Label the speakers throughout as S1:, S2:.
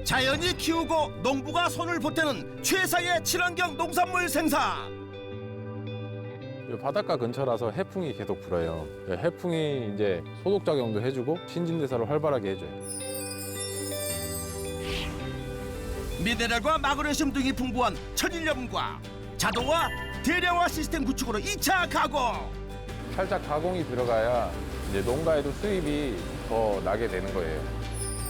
S1: 자연이 키우고 농부가 손을 보태는 최상의 친환경 농산물 생산.
S2: 이 바닷가 근처라서 해풍이 계속 불어요. 해풍이 이제 소독 작용도 해주고 신진대사를 활발하게 해줘요.
S1: 미네랄과 마그네슘 등이 풍부한 천일염과 자동화, 대량화 시스템 구축으로 2차 가공.
S2: 살짝 가공이 들어가야 이제 농가에도 수입이 더 나게 되는 거예요.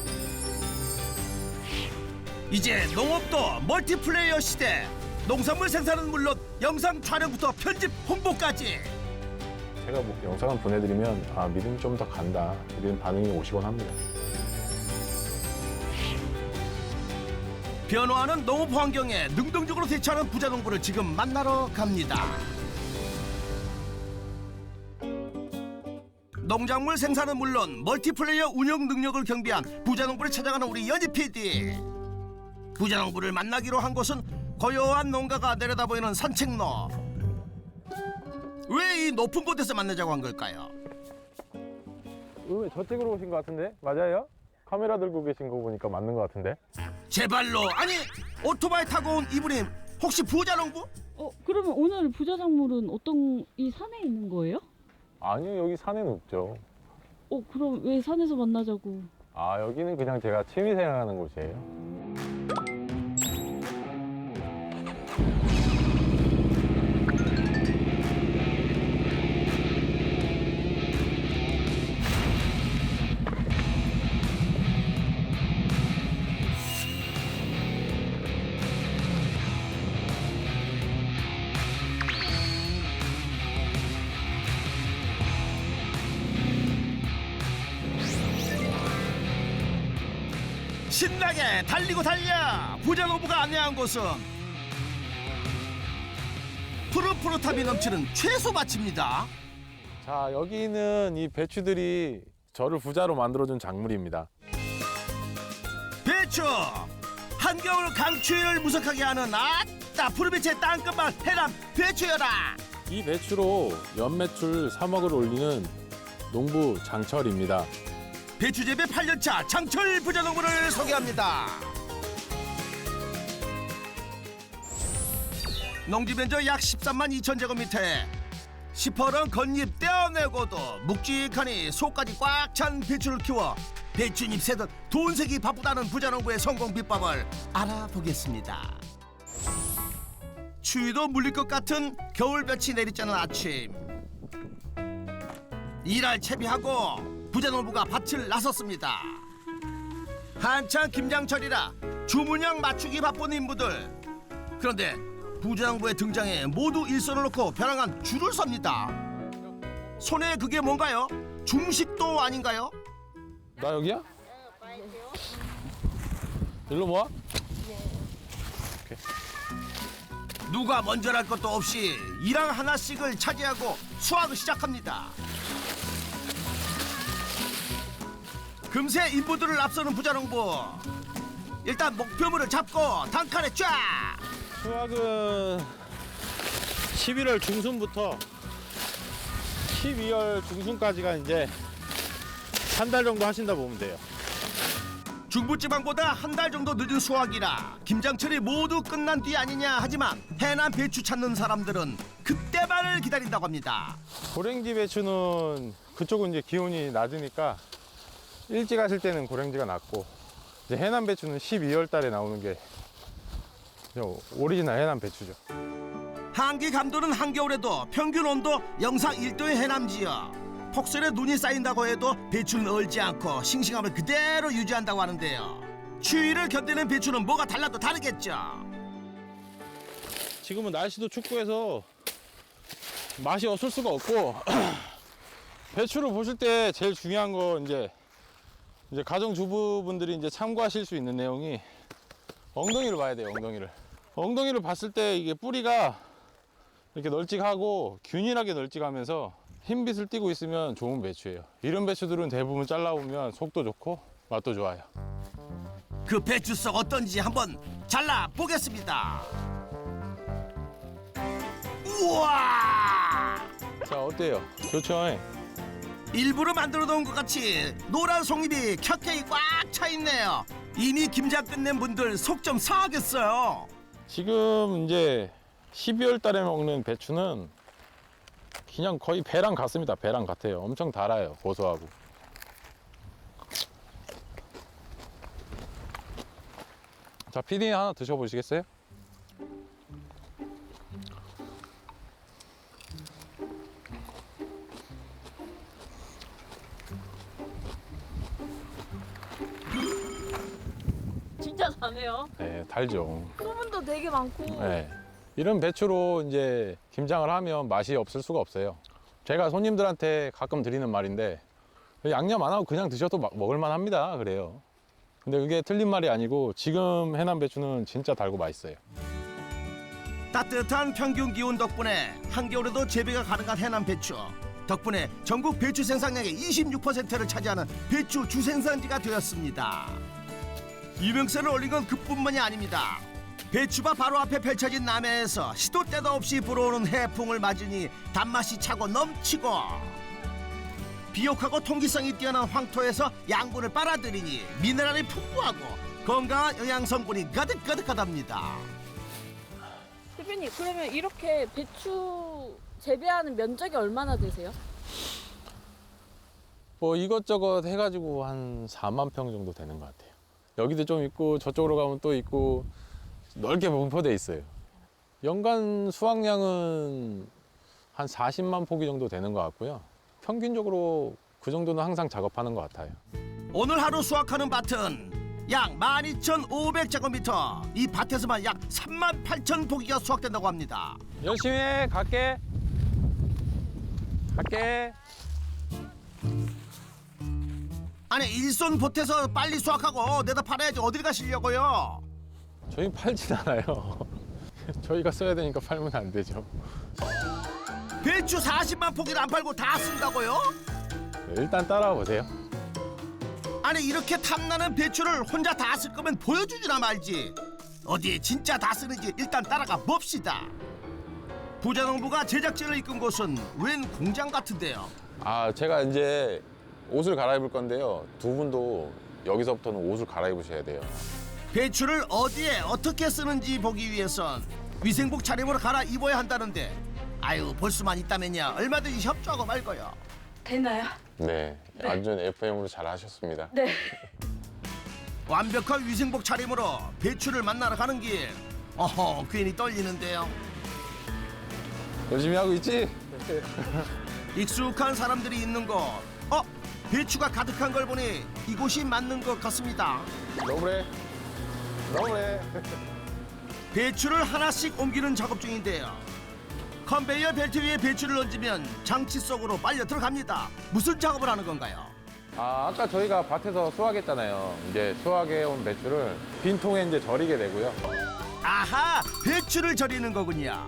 S1: 이제 농업도 멀티플레이어 시대. 농산물 생산은 물론 영상 촬영부터 편집, 홍보까지.
S2: 제가 뭐 영상을 보내드리면 믿음이 좀 더 간다 이런 반응이 오시곤 합니다.
S1: 변화하는 농업 환경에 능동적으로 대처하는 부자농부를 지금 만나러 갑니다. 농작물 생산은 물론 멀티플레이어 운영 능력을 경비한 부자농부를 찾아가는 우리 연희 PD. 부자농부를 만나기로 한 곳은 고요한 농가가 내려다보이는 산책로. 왜 이 높은 곳에서 만나자고 한 걸까요?
S2: 왜 저쪽으로 오신 것 같은데? 맞아요? 카메라 들고 계신 거 보니까 맞는 것 같은데?
S1: 제 발로, 아니 오토바이 타고 온 이분이 혹시 부자농부?
S3: 그러면 오늘 부자작물은 어떤 이 산에 있는 거예요?
S2: 아니요, 여기 산에는 없죠.
S3: 그럼 왜 산에서 만나자고?
S2: 여기는 그냥 제가 취미생활하는 곳이에요.
S1: 신나게 달리고 달려. 부자농부가 안내한 곳은 푸릇푸릇함이 넘치는 채소밭입니다.
S2: 자, 여기는 이 배추들이 저를 부자로 만들어준 작물입니다.
S1: 배추, 한겨울 강추위를 무석하게 하는 아따 푸르빛의 땅끝만 해남 배추여라.
S2: 이 배추로 연매출 3억을 올리는 농부 장철입니다.
S1: 배추 재배 8년차 장철 부자농부를 소개합니다. 농지 면적 약 13만 2천 제곱미터에 시퍼런 겉잎 떼어내고도 묵직하니 속까지 꽉 찬 배추를 키워 배추잎 새듯 돈색이 바쁘다는 부자농부의 성공 비법을 알아보겠습니다. 추위도 물릴 것 같은 겨울볕이 내리쬐는 아침. 일할 채비하고 부자농부가 밭을 나섰습니다. 한창 김장철이라 주문량 맞추기 바쁜 인부들. 그런데 부자농부의 등장에 모두 일손을 놓고 벼랑한 줄을 섭니다. 손에 그게 뭔가요? 중식도 아닌가요?
S2: 나 여기야? 일로 모아?
S1: 누가 먼저랄 것도 없이 일항 하나씩을 차지하고 수확을 시작합니다. 금세 인부들을 앞서는 부자농부. 일단 목표물을 잡고 단칼에 쫙.
S4: 수확은 11월 중순부터 12월 중순까지가 이제 한 달 정도 하신다 보면 돼요.
S1: 중부지방보다 한 달 정도 늦은 수확이라 김장철이 모두 끝난 뒤 아니냐 하지만 해남 배추 찾는 사람들은 그때만을 기다린다고 합니다.
S2: 고랭지 배추는 그쪽은 이제 기온이 낮으니까 일찍 하실 때는 고랭지가 낮고 이제 해남 배추는 12월 달에 나오는 게 오리지널 해남 배추죠.
S1: 한기 감도는 한겨울에도 평균 온도 영상 1도의 해남 지역. 폭설에 눈이 쌓인다고 해도 배추는 얼지 않고 싱싱함을 그대로 유지한다고 하는데요. 추위를 견디는 배추는 뭐가 달라도 다르겠죠.
S4: 지금은 날씨도 춥고 해서 맛이 없을 수가 없고 배추를 보실 때 제일 중요한 거 이제 가정주부분들이 이제 참고하실 수 있는 내용이 엉덩이를 봐야 돼요. 엉덩이를 봤을 때 이게 뿌리가 이렇게 널찍하고 균일하게 널찍하면서 흰빛을 띠고 있으면 좋은 배추예요. 이런 배추들은 대부분 잘라보면 속도 좋고 맛도 좋아요.
S1: 그 배추 속 어떤지 한번 잘라 보겠습니다. 우와!
S2: 자, 어때요? 좋죠?
S1: 일부러 만들어 놓은 것 같이 노란 송잎이 켜켜이 꽉 차 있네요. 이미 김장 끝낸 분들 속 좀 상하겠어요.
S4: 지금 이제 12월 달에 먹는 배추는 그냥 거의 배랑 같습니다. 배랑 같아요. 엄청 달아요. 고소하고. 자, 피디님 하나 드셔보시겠어요?
S3: 진짜 다네요.
S4: 네, 달죠.
S3: 소문도 되게 많고.
S4: 네. 이런 배추로 이제 김장을 하면 맛이 없을 수가 없어요. 제가 손님들한테 가끔 드리는 말인데 양념 안 하고 그냥 드셔도 먹을만 합니다. 그래요. 근데 그게 틀린 말이 아니고 지금 해남 배추는 진짜 달고 맛있어요.
S1: 따뜻한 평균 기온 덕분에 한겨울에도 재배가 가능한 해남 배추. 덕분에 전국 배추 생산량의 26%를 차지하는 배추 주생산지가 되었습니다. 유명세를 올린 건 그뿐만이 아닙니다. 배추밭 바로 앞에 펼쳐진 남해에서 시도 때도 없이 불어오는 해풍을 맞으니 단맛이 차고 넘치고 비옥하고 통기성이 뛰어난 황토에서 양분을 빨아들이니 미네랄이 풍부하고 건강한 영양 성분이 가득가득하답니다.
S3: 대표님, 그러면 이렇게 배추 재배하는 면적이 얼마나 되세요?
S4: 뭐 이것저것 해가지고 한 4만 평 정도 되는 것 같아요. 여기도 좀 있고 저쪽으로 가면 또 있고 넓게 분포돼 있어요. 연간 수확량은 한 40만 포기 정도 되는 것 같고요. 평균적으로 그 정도는 항상 작업하는 것 같아요.
S1: 오늘 하루 수확하는 밭은 약 12,500제곱미터. 이 밭에서만 약 38,000 포기가 수확된다고 합니다.
S4: 열심히 해. 갈게.
S1: 아니 일손 보태서 빨리 수확하고 내다 팔아야지 어딜 가시려고요?
S4: 저희 팔진 않아요. 저희가 써야 되니까 팔면 안 되죠.
S1: 배추 40만 포기를 안 팔고 다 쓴다고요?
S4: 일단 따라와 보세요.
S1: 아니 이렇게 탐나는 배추를 혼자 다 쓸 거면 보여주지나 말지. 어디에 진짜 다 쓰는지 일단 따라가 봅시다. 부자농부가 제작진을 이끈 곳은 웬 공장 같은데요.
S4: 아, 제가 이제 옷을 갈아입을 건데요. 두 분도 여기서부터는 옷을 갈아입으셔야 돼요.
S1: 배추를 어디에 어떻게 쓰는지 보기 위해선 위생복 차림으로 갈아입어야 한다는데 아유 볼 수만 있다면야 얼마든지 협조하고 말거요.
S3: 되나요?
S4: 네, 완전 FM으로 잘 하셨습니다.
S3: 네.
S1: 완벽한 위생복 차림으로 배추를 만나러 가는 길. 어허 괜히 떨리는데요.
S4: 열심히 하고 있지?
S1: 익숙한 사람들이 있는 곳. 배추가 가득한 걸 보니 이곳이 맞는 것 같습니다.
S4: 너무해.
S1: 배추를 하나씩 옮기는 작업 중인데요. 컨베이어 벨트 위에 배추를 얹으면 장치 속으로 빨려 들어갑니다. 무슨 작업을 하는 건가요?
S4: 아, 아까 저희가 밭에서 수확했잖아요. 이제 수확해온 배추를 빈 통에 이제 절이게 되고요.
S1: 아하, 배추를 절이는 거군요.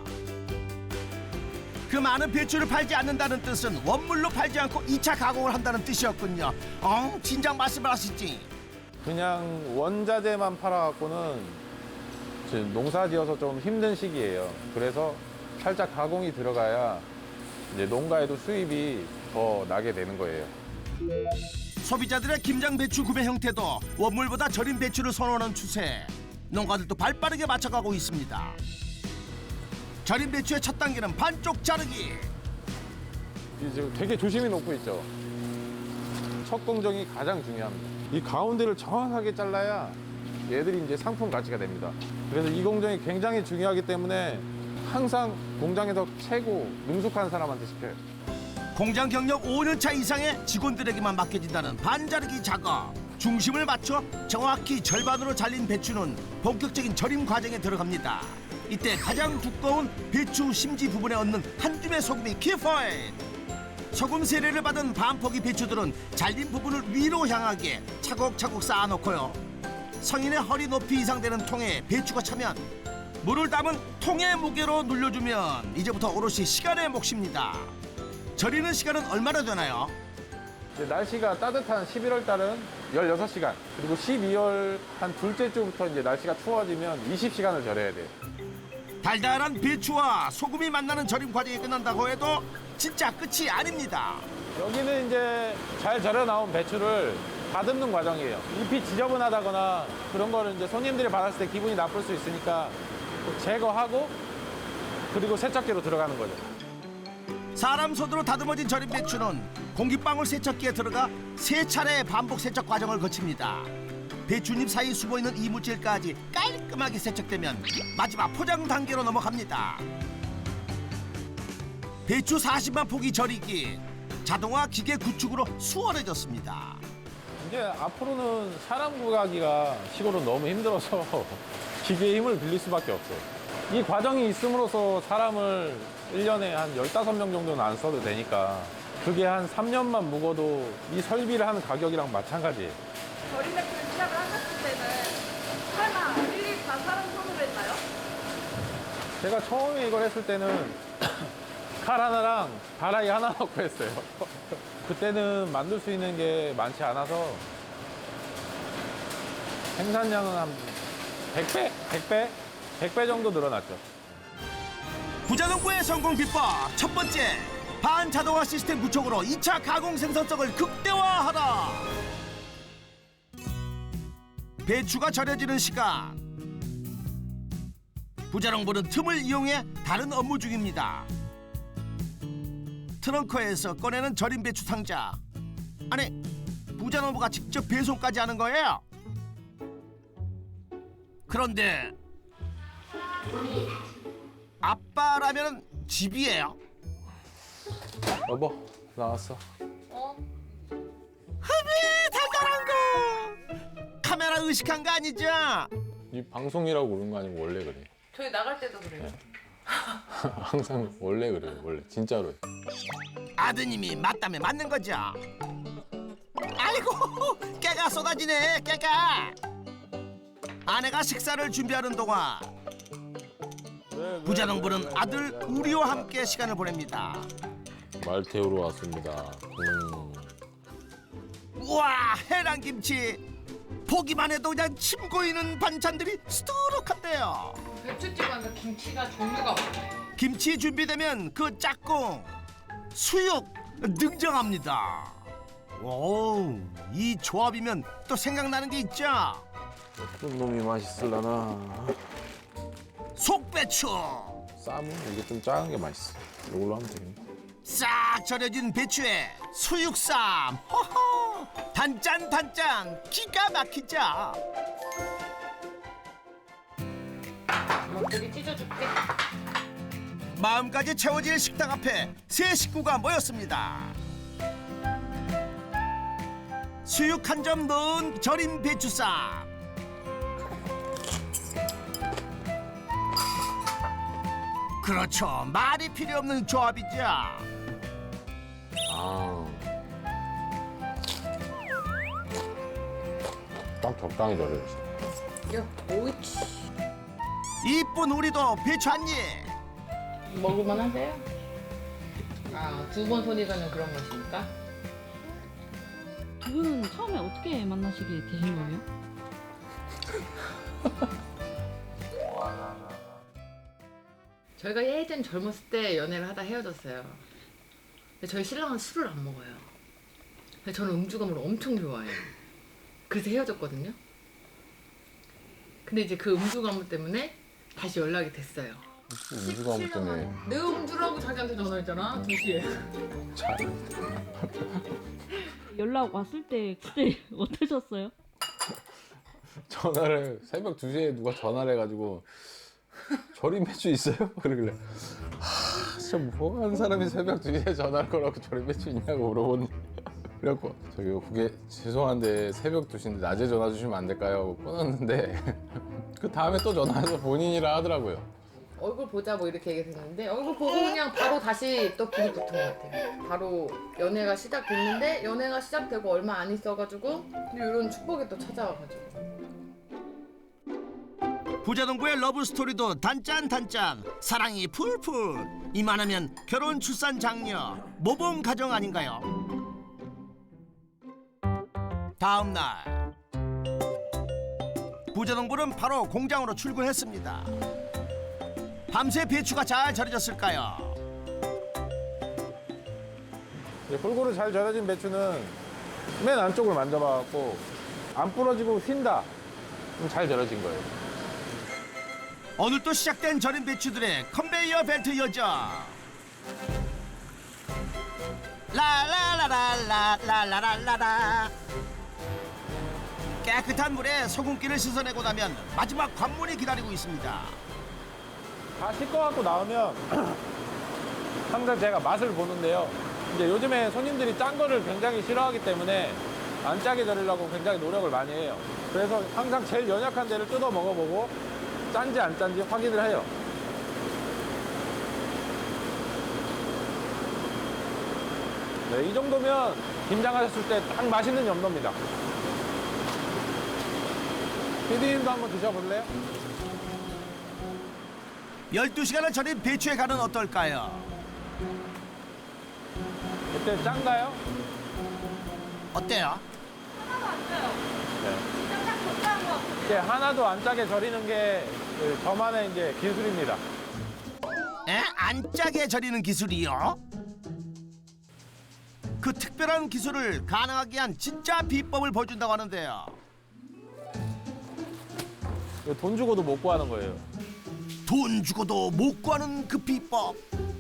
S1: 그 많은 배추를 팔지 않는다는 뜻은 원물로 팔지 않고 2차 가공을 한다는 뜻이었군요. 진작 말씀을 하시지.
S4: 그냥 원자재만 팔아갖고는 지금 농사 지어서 좀 힘든 시기예요. 그래서 살짝 가공이 들어가야 이제 농가에도 수입이 더 나게 되는 거예요.
S1: 소비자들의 김장 배추 구매 형태도 원물보다 절인 배추를 선호하는 추세. 농가들도 발빠르게 맞춰가고 있습니다. 절인 배추의 첫 단계는 반쪽 자르기.
S4: 이제 되게 조심히 놓고 있죠. 첫 공정이 가장 중요합니다. 이 가운데를 정확하게 잘라야 얘들이 이제 상품 가치가 됩니다. 그래서 이 공정이 굉장히 중요하기 때문에 항상 공장에서 최고 능숙한 사람한테 시켜요.
S1: 공장 경력 5년차 이상의 직원들에게만 맡겨진다는 반자르기 작업. 중심을 맞춰 정확히 절반으로 잘린 배추는 본격적인 절임 과정에 들어갑니다. 이때 가장 두꺼운 배추 심지 부분에 얹는 한 줌의 소금이 키포인트. 소금 세례를 받은 반포기 배추들은 잘린 부분을 위로 향하게 차곡차곡 쌓아놓고요. 성인의 허리 높이 이상 되는 통에 배추가 차면 물을 담은 통의 무게로 눌려주면 이제부터 오롯이 시간의 몫입니다. 절이는 시간은 얼마나 되나요?
S4: 이제 날씨가 따뜻한 11월 달은 16시간, 그리고 12월 한 둘째 주부터 이제 날씨가 추워지면 20시간을 절여야 돼요.
S1: 달달한 배추와 소금이 만나는 절임 과정이 끝난다고 해도 진짜 끝이 아닙니다.
S2: 여기는 이제 잘 절여 나온 배추를 다듬는 과정이에요. 잎이 지저분하다거나 그런 거를 이제 손님들이 받았을 때 기분이 나쁠 수 있으니까 제거하고 그리고 세척기로 들어가는 거죠.
S1: 사람 손으로 다듬어진 절임 배추는 공기방울 세척기에 들어가 3차례 반복 세척 과정을 거칩니다. 배추잎 사이 숨어있는 이물질까지 깔끔하게 세척되면 마지막 포장 단계로 넘어갑니다. 배추 40만 포기 절이기 자동화 기계 구축으로 수월해졌습니다.
S2: 이제 앞으로는 사람 구하기가 시골은 너무 힘들어서 기계의 힘을 빌릴 수밖에 없어요. 이 과정이 있음으로써 사람을 1년에 한 15명 정도는 안 써도 되니까 그게 한 3년만 묵어도 이 설비를 하는 가격이랑 마찬가지예요.
S5: 절임 배추를 시작을 하셨을 때는 설마 일일이 다 사람 손으로 했나요?
S2: 제가 처음에 이걸 했을 때는 칼 하나랑 다라이 하나 넣고 했어요. 그때는 만들 수 있는 게 많지 않아서 생산량은 한 100배 정도 늘어났죠.
S1: 부자농부의 성공 비법 첫 번째, 반자동화 시스템 구축으로 2차 가공 생산성을 극대화하라. 배추가 절여지는 시간, 부자농부는 틈을 이용해 다른 업무 중입니다. 트렁크에서 꺼내는 절임 배추 상자. 아니, 부자농부가 직접 배송까지 하는 거예요. 그런데 아빠라면 집이에요.
S2: 여보, 나왔어.
S1: 달달한 거. 카메라 의식한 거 아니죠?
S2: 이 방송이라고 그런 거 아니고 원래 그래.
S5: 저희 나갈 때도 그래요.
S2: 항상 원래 그래요. 원래 진짜로.
S1: 아드님이 맞다면 맞는 거죠. 아이고, 깨가 쏟아지네, 깨가. 아내가 식사를 준비하는 동안 부자농부는 아들 우리와 함께 시간을 보냅니다.
S2: 말 태우러 왔습니다.
S1: 우와, 해랑김치. 보기만 해도 그냥 침 고이는 반찬들이 수두룩한데요.
S5: 배추집안에 김치가 종류가 많아요.
S1: 김치 준비되면 그 짝꿍 수육 등장합니다. 오, 이 조합이면 또 생각나는 게 있죠.
S2: 어떤 놈이 맛있을라나.
S1: 속배추
S2: 쌈은 이게 좀 작은 게 맛있어. 이걸로 하면 되겠네.
S1: 싹 절여진 배추에 수육쌈. 호호, 단짠 기가 막히죠.
S5: 여기 찢어줄게.
S1: 마음까지 채워질 식당 앞에 세 식구가 모였습니다. 수육 한 점 넣은 절임 배추쌈. 그렇죠, 말이 필요 없는 조합이죠.
S2: 딱 적당히 절여주시.
S5: 야, 오이치.
S1: 이쁜 우리도 배추 한 입.
S5: 먹을만 하세요? 아, 2번 손이 가는 그런 맛입니까?
S3: 두 분은 처음에 어떻게 만나시게 되신 거예요?
S5: 저희가 예전 젊었을 때 연애를 하다 헤어졌어요. 근데 저희 신랑은 술을 안 먹어요. 근데 저는 음주감을 엄청 좋아해요. 그래서 헤어졌거든요. 근데 이제 그 음주감 때문에 다시 연락이 됐어요.
S2: 음주감 때문에.
S5: 내 음주라고 자기한테 전화했잖아, 2시에.
S3: 연락 왔을 때 그때 어떠셨어요?
S2: 전화를 새벽 2시에 누가 전화를 해가지고 절임 배추 있어요? 그러길래 진짜 뭐 하는 사람이 새벽 2시에 전화를 걸어갖고 절임 배추 있냐고 물어보니 그래갖고 저기 그게 죄송한데 새벽 2시인데 낮에 전화 주시면 안 될까요? 하고 끊었는데 그 다음에 또 전화해서 본인이라 하더라고요.
S5: 얼굴 보자 뭐 이렇게 얘기했는데 얼굴 보고 그냥 바로 다시 또 불이 붙은 것 같아요. 바로 연애가 시작됐는데 연애가 시작되고 얼마 안 있어가지고 이런 축복이 또 찾아와가지고.
S1: 부자농부의 러브 스토리도 단짠 사랑이 풀풀. 이만하면 결혼 출산 장려 모범 가정 아닌가요? 다음 날 부자농부는 바로 공장으로 출근했습니다. 밤새 배추가 잘 절여졌을까요?
S4: 이제 골고루 잘 절여진 배추는 맨 안쪽을 만져봐갖고 안 부러지고 휜다. 그럼 잘 절여진 거예요.
S1: 오늘 또 시작된 절인 배추들의 컨베이어 벨트 여정. 라라라라라라라라라. 깨끗한 물에 소금기를 씻어내고 나면 마지막 관문이 기다리고 있습니다.
S4: 다 씻어갖고 나오면 항상 제가 맛을 보는데요. 이제 요즘에 손님들이 짠 거를 굉장히 싫어하기 때문에 안 짜게 절이려고 굉장히 노력을 많이 해요. 그래서 항상 제일 연약한 데를 뜯어 먹어보고 짠지 안 짠지 확인을 해요. 네, 이 정도면 김장하셨을 때 딱 맛있는 염도입니다. 피디님도 한번 드셔볼래요?
S1: 12시간을 절인 배추의 간은 어떨까요?
S4: 그때 짠가요?
S1: 어때요?
S4: 이제 하나도 안 짜게 절이는 게 저만의 이제 기술입니다.
S1: 에? 안 짜게 절이는 기술이요? 그 특별한 기술을 가능하게 한 진짜 비법을 보여준다고 하는데요.
S4: 이거 돈 주고도 못 구하는 거예요.
S1: 돈 주고도 못 구하는 그 비법.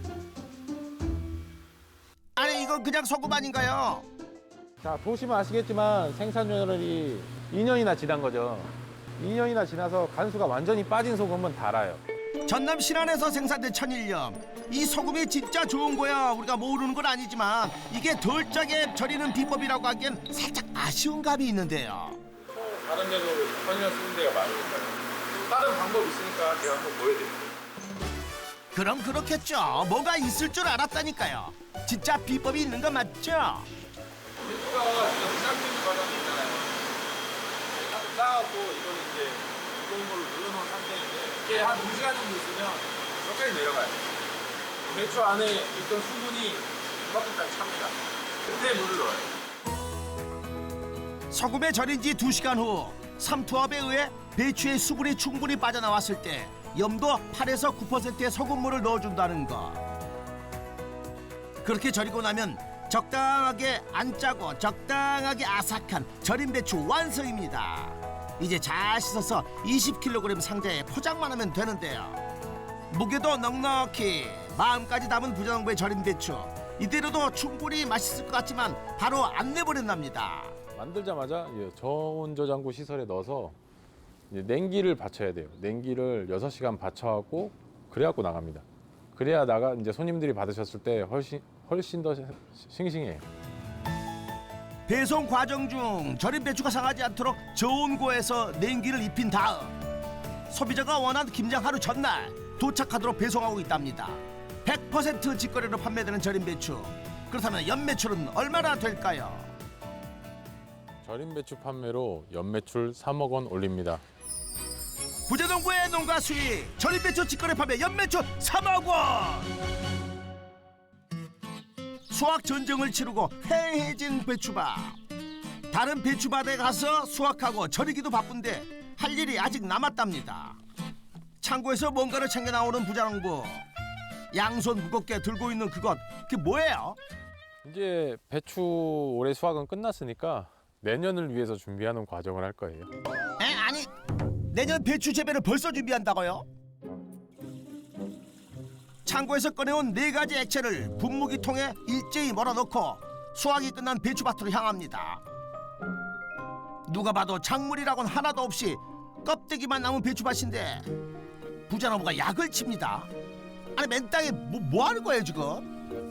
S1: 아니 이건 그냥 소금 아닌가요?
S4: 자, 보시면 아시겠지만 생산율이 2년이나 지난 거죠. 2년이나 지나서 간수가 완전히 빠진 소금은 달아요.
S1: 전남 신안에서 생산된 천일염. 이 소금이 진짜 좋은 거야 우리가 모르는 건 아니지만 이게 덜 짜게 절이는 비법이라고 하기엔 살짝 아쉬운 감이 있는데요.
S4: 다른 데도 천일염 쓰는 데가 많으니까요. 다른 방법이 있으니까 제가 한번 보여드릴게요.
S1: 그럼 그렇겠죠. 뭐가 있을 줄 알았다니까요. 진짜 비법이 있는 거 맞죠?
S4: 배추가 지금 삶는 과정이 있잖아요. 쌓아갖고 이거는 이제 무거운 걸로 눌러놓은 상태인데 이게 한 2시간 정도 있으면 여기까지 내려가요. 배추 안에 있던 수분이 이만큼까지 찹니다. 그때 물을 넣어요.
S1: 소금에 절인 지 2시간 후 삼투압에 의해 배추의 수분이 충분히 빠져나왔을 때 염도 8에서 9%의 소금물을 넣어준다는 것. 그렇게 절이고 나면 적당하게 안 짜고 적당하게 아삭한 절인 배추 완성입니다. 이제 잘 씻어서 20kg 상자에 포장만 하면 되는데요. 무게도 넉넉히 마음까지 담은 부자농부의 절인 배추. 이대로도 충분히 맛있을 것 같지만 바로 안 내버린답니다.
S4: 만들자마자 저온 저장고 시설에 넣어서 이제 냉기를 받쳐야 돼요. 냉기를 6시간 받쳐갖고 그래갖고 나갑니다. 그래야 이제 손님들이 받으셨을 때 훨씬 더 싱싱해요.
S1: 배송 과정 중 절인 배추가 상하지 않도록 저온고에서 냉기를 입힌 다음 소비자가 원한 김장 하루 전날 도착하도록 배송하고 있답니다. 100% 직거래로 판매되는 절인 배추. 그렇다면 연매출은 얼마나 될까요?
S4: 절인 배추 판매로 연매출 3억 원 올립니다.
S1: 부자농부의 농가 수익 절인 배추 직거래 판매 연매출 3억 원. 수확 전쟁을 치르고 해해진 배추밭. 다른 배추밭에 가서 수확하고 절이기도 바쁜데 할 일이 아직 남았답니다. 창고에서 뭔가를 챙겨 나오는 부자농부. 양손 무겁게 들고 있는 그게 뭐예요?
S4: 이제 배추 올해 수확은 끝났으니까 내년을 위해서 준비하는 과정을 할 거예요.
S1: 아니 내년 배추 재배를 벌써 준비한다고요? 창고에서 꺼내온 4가지 액체를 분무기통에 일제히 몰아넣고 수확이 끝난 배추밭으로 향합니다. 누가 봐도 작물이라고는 하나도 없이 껍데기만 남은 배추밭인데 부자농부가 약을 칩니다. 아니 맨 땅에 뭐 하는 거예요 지금?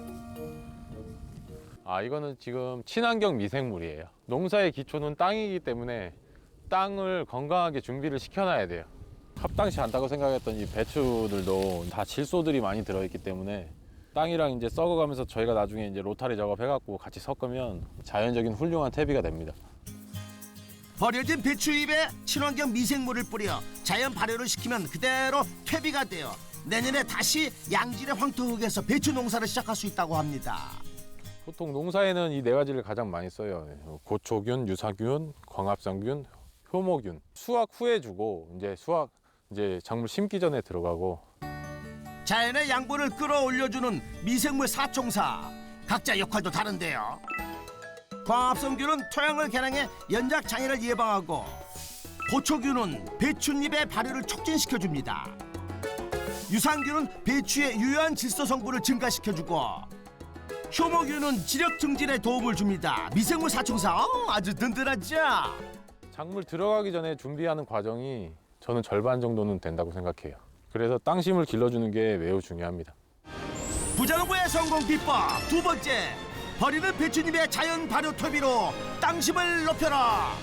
S4: 이거는 지금 친환경 미생물이에요. 농사의 기초는 땅이기 때문에 땅을 건강하게 준비를 시켜놔야 돼요. 합당치 않다고 생각했던 이 배추들도 다 질소들이 많이 들어있기 때문에 땅이랑 이제 썩어가면서 저희가 나중에 이제 로타리 작업해갖고 같이 섞으면 자연적인 훌륭한 퇴비가 됩니다.
S1: 버려진 배추잎에 친환경 미생물을 뿌려 자연 발효를 시키면 그대로 퇴비가 되어 내년에 다시 양질의 황토흙에서 배추 농사를 시작할 수 있다고 합니다.
S4: 보통 농사에는 이 4가지를 가장 많이 써요. 고초균, 유사균, 광합성균, 효모균. 수확 후에 주고 이제 작물 심기 전에 들어가고.
S1: 자연의 양분을 끌어올려주는 미생물 사총사. 각자 역할도 다른데요. 광합성균은 토양을 개량해 연작 장애를 예방하고 보초균은 배춧잎의 발효를 촉진시켜줍니다. 유산균은 배추의 유효한 질소 성분을 증가시켜주고 효모균은 지력 증진에 도움을 줍니다. 미생물 사총사 아주 든든하죠.
S4: 작물 들어가기 전에 준비하는 과정이 저는 절반 정도는 된다고 생각해요. 그래서 땅심을 길러주는 게 매우 중요합니다.
S1: 부자농부의 성공 비법 두 번째, 버리는 배추잎의 자연 발효 퇴비로 땅심을 높여라.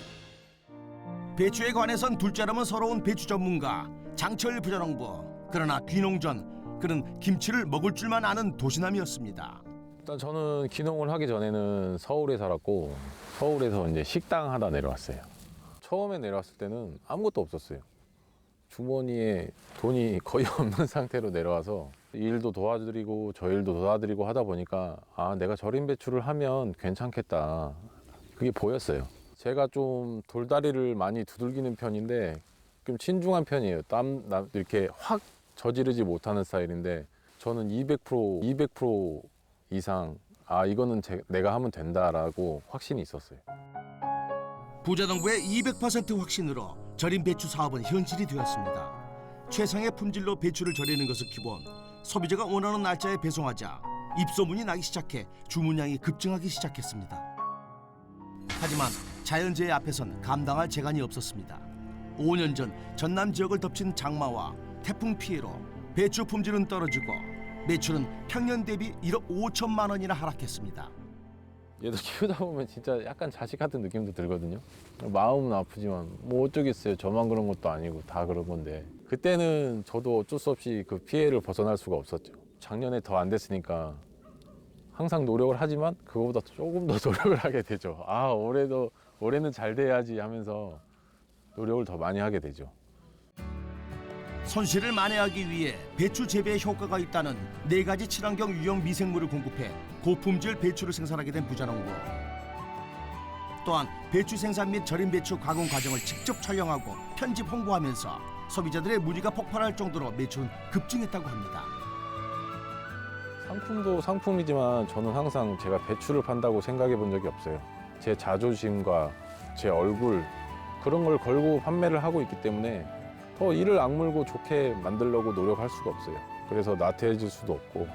S1: 배추에 관해선 둘째라면 서러운 배추 전문가 장철 부자농부. 그러나 귀농전 그는 김치를 먹을 줄만 아는 도시남이었습니다.
S4: 일단 저는 귀농을 하기 전에는 서울에 살았고 서울에서 이제 식당 하다 내려왔어요. 처음에 내려왔을 때는 아무것도 없었어요. 주머니에 돈이 거의 없는 상태로 내려와서 일도 도와드리고 저 일도 도와드리고 하다 보니까 아, 내가 절임 배추를 하면 괜찮겠다. 그게 보였어요. 제가 좀 돌다리를 많이 두들기는 편인데 좀 신중한 편이에요. 이렇게 확 저지르지 못하는 스타일인데 저는 200% 이상 아, 이거는 내가 하면 된다라고 확신이 있었어요.
S1: 부자농부의 200% 확신으로 절임 배추 사업은 현실이 되었습니다. 최상의 품질로 배추를 절이는 것은 기본. 소비자가 원하는 날짜에 배송하자 입소문이 나기 시작해 주문량이 급증하기 시작했습니다. 하지만 자연재해 앞에선 감당할 재간이 없었습니다. 5년 전 전남 지역을 덮친 장마와 태풍 피해로 배추 품질은 떨어지고 매출은 평년 대비 1억 5천만 원이나 하락했습니다.
S4: 얘도 키우다 보면 진짜 약간 자식 같은 느낌도 들거든요. 마음은 아프지만 뭐 어쩌겠어요. 저만 그런 것도 아니고 다 그런 건데 그때는 저도 어쩔 수 없이 그 피해를 벗어날 수가 없었죠. 작년에 더 안 됐으니까 항상 노력을 하지만 그거보다 조금 더 노력을 하게 되죠. 아, 올해는 잘 돼야지 하면서 노력을 더 많이 하게 되죠.
S1: 손실을 만회하기 위해 배추 재배에 효과가 있다는 4가지 친환경 유형 미생물을 공급해 고품질 배추를 생산하게 된 부자농부. 또한 배추 생산 및 절임 배추 가공 과정을 직접 촬영하고 편집 홍보하면서 소비자들의 문의가 폭발할 정도로 매출은 급증했다고 합니다.
S4: 상품도 상품이지만 저는 항상 제가 배추를 판다고 생각해 본 적이 없어요. 제 자존심과 제 얼굴 그런 걸 걸고 판매를 하고 있기 때문에 더 이를 악물고 좋게 만들려고 노력할 수가 없어요. 그래서 나태해질 수도 없고.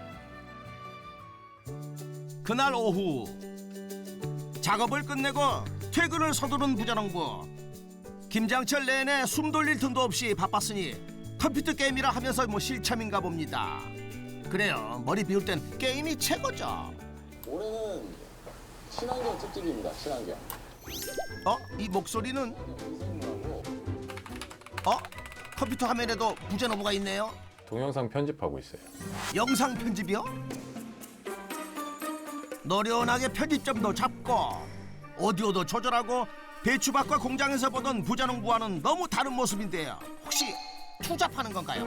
S1: 그날 오후 작업을 끝내고 퇴근을 서두른 부자농부. 김장철 내내 숨 돌릴 틈도 없이 바빴으니 컴퓨터 게임이라 하면서 실참인가 봅니다. 그래요, 머리 비울 땐 게임이 최고죠.
S2: 올해는 친환경 특집입니다. 친환경.
S1: 이 목소리는
S2: 미생물하고
S1: 컴퓨터 화면에도 부자농부가 있네요.
S4: 동영상 편집하고 있어요.
S1: 영상 편집이요? 노련하게 편집점도 잡고 오디오도 조절하고 배추밭과 공장에서 보던 부자농부와는 너무 다른 모습인데요. 혹시 투잡하는 건가요?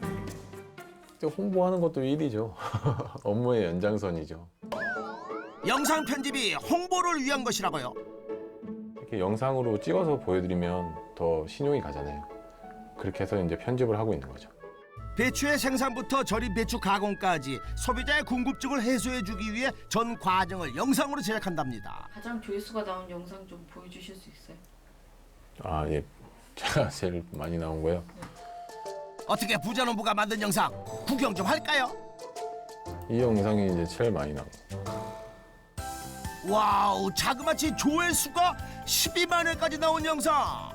S4: 홍보하는 것도 일이죠. 업무의 연장선이죠.
S1: 영상 편집이 홍보를 위한 것이라고요?
S4: 이렇게 영상으로 찍어서 보여드리면 더 신용이 가잖아요. 그렇게 해서 이제 편집을 하고 있는 거죠.
S1: 배추의 생산부터 절임 배추 가공까지 소비자의 궁금증을 해소해주기 위해 전 과정을 영상으로 제작한답니다.
S3: 가장 조회수가 나온 영상 좀 보여주실 수 있어요?
S4: 아, 예. 제가 제일 많이 나온 거요.
S1: 어떻게 부자농부가 만든 영상 구경 좀 할까요?
S4: 이 영상이 이제 제일 많이 나온 거.
S1: 와우, 자그마치 조회수가 12만 회까지 나온 영상.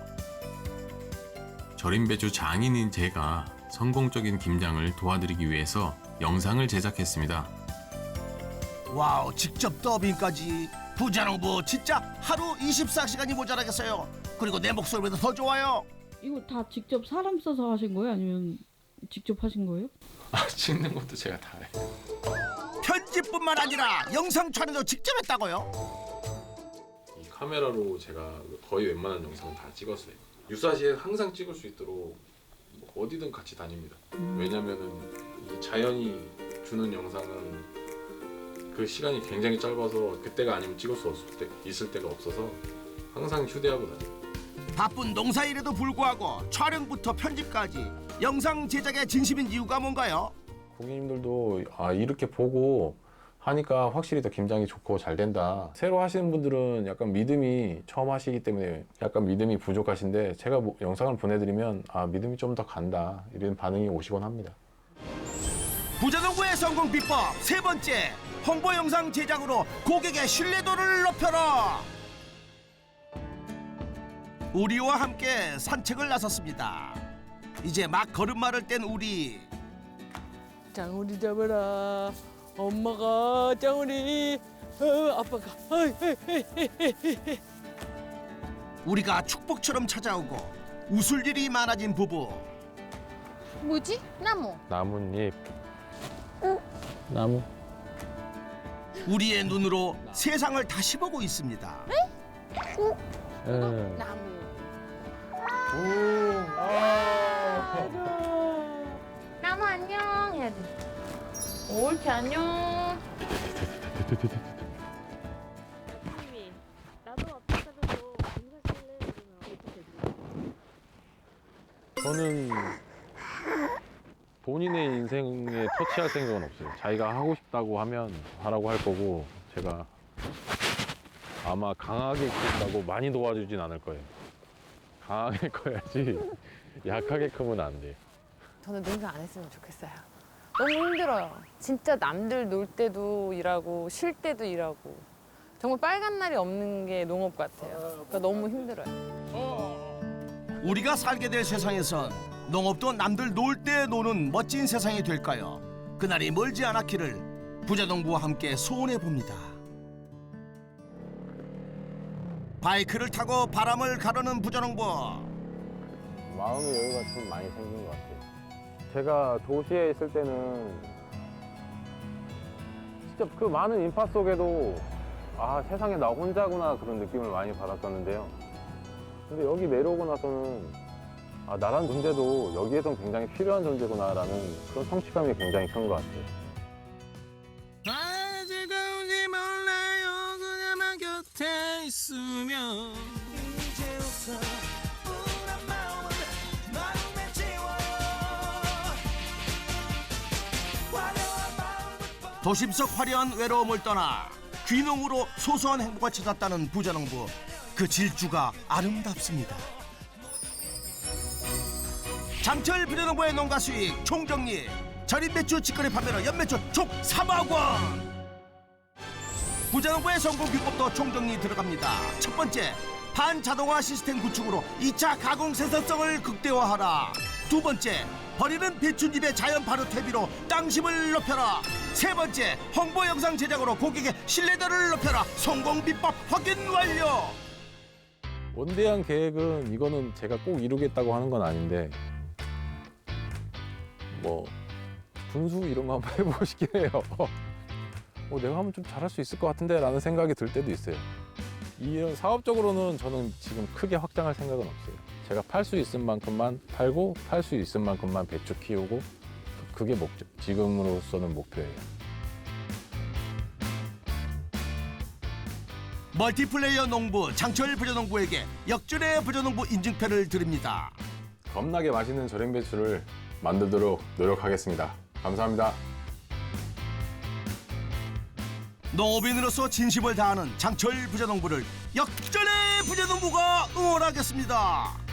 S6: 절임 배추 장인인 제가 성공적인 김장을 도와드리기 위해서 영상을 제작했습니다.
S1: 와우, 직접 더빙까지. 부자농부 진짜 하루 24시간이 모자라겠어요. 그리고 내 목소리보다 더 좋아요.
S3: 이거 다 직접 사람 써서 하신 거예요? 아니면 직접 하신 거예요?
S4: 아, 찍는 것도 제가 다 해요.
S1: 편집뿐만 아니라 영상 촬영도 직접 했다고요?
S4: 이 카메라로 제가 거의 웬만한 영상은 다 찍었어요. 유사시에 항상 찍을 수 있도록 어디든 같이 다닙니다. 왜냐면은 이 자연이 주는 영상은 그 시간이 굉장히 짧아서 그때가 아니면 찍을 수 있을 때가 없어서 항상 휴대하고 다녀요.
S1: 바쁜 농사일에도 불구하고 촬영부터 편집까지 영상 제작에 진심인 이유가 뭔가요?
S4: 고객님들도 아, 이렇게 보고
S2: 하니까 확실히 더 김장이 좋고 잘 된다. 새로 하시는 분들은 약간 믿음이 처음 하시기 때문에 약간 믿음이 부족하신데 제가 영상을 보내드리면 아 믿음이 좀 더 간다 이런 반응이 오시곤 합니다.
S1: 부자농부의 성공 비법 세 번째, 홍보 영상 제작으로 고객의 신뢰도를 높여라. 우리와 함께 산책을 나섰습니다. 이제 막 걸음마를 뗀 우리.
S7: 짱우리 잡아라. 엄마가 짱우리. 아빠가.
S1: 우리가 축복처럼 찾아오고 웃을 일이 많아진 부부.
S5: 뭐지? 나무.
S2: 나뭇잎. 나무.
S1: 우리의 눈으로 세상을 다시 보고 있습니다.
S5: 나무. 나무 안녕 해야 돼. 옳지 안녕.
S8: 선생님이 나도 앞에서도 인사실래 그러면 어떻게 해요?
S2: 저는 본인의 인생에 터치할 생각은 없어요. 자기가 하고 싶다고 하면 하라고 할 거고 제가 아마 강하게 키운다고 많이 도와주진 않을 거예요. 강하게 커야지 약하게 크면 안 돼.
S5: 저는 농사 안 했으면 좋겠어요. 너무 힘들어요. 진짜 남들 놀 때도 일하고 쉴 때도 일하고 정말 빨간 날이 없는 게 농업 같아요. 그러니까 너무 힘들어요.
S1: 우리가 살게 될 세상에선 농업도 남들 놀 때 노는 멋진 세상이 될까요? 그날이 멀지 않았기를 부자농부와 함께 소원해 봅니다. 바이크를 타고 바람을 가르는 부자농부.
S2: 마음의 여유가 좀 많이 생긴 것 같아요. 제가 도시에 있을 때는 진짜 그 많은 인파 속에도 아 세상에 나 혼자구나 그런 느낌을 많이 받았었는데요. 근데 여기 내려오고 나서는 아 나란 존재도 여기에선 굉장히 필요한 존재구나라는 그런 성취감이 굉장히 큰 것 같아요.
S1: 아직까지 몰라요 그녀만 곁에 있으면 이제부터 우울한 마음은 마음에 지워. 도심 속 화려한 외로움을 떠나 귀농으로 소소한 행복을 찾았다는 부자농부. 그 질주가 아름답습니다. 장철 부자농부의 농가 수익 총정리. 절임 배추 직거래 판매로 연매출 총 3억 원. 부자농부의 성공 비법도 총정리 들어갑니다. 첫 번째, 반자동화 시스템 구축으로 2차 가공 생산성을 극대화하라. 두 번째, 버리는 배춧잎의 자연 발효 퇴비로 땅심을 높여라. 세 번째, 홍보 영상 제작으로 고객의 신뢰도를 높여라. 성공 비법 확인 완료.
S2: 원대한 계획은 이거는 제가 꼭 이루겠다고 하는 건 아닌데 뭐 분수 이런 거 한번 해보고 싶긴 해요. 내가 하면 좀 잘할 수 있을 것 같은데 라는 생각이 들 때도 있어요. 이런 사업적으로는 저는 지금 크게 확장할 생각은 없어요. 제가 팔 수 있을 만큼만 팔고 팔 수 있을 만큼만 배추 키우고 그게 목적, 지금으로서는 목표예요.
S1: 멀티플레이어 농부 장철 부자농부에게 역전의 부자농부 인증표를 드립니다.
S2: 겁나게 맛있는 절임 배추를 만들도록 노력하겠습니다. 감사합니다.
S1: 농업인으로서 진심을 다하는 장철 부자농부를 역전의 부자농부가 응원하겠습니다.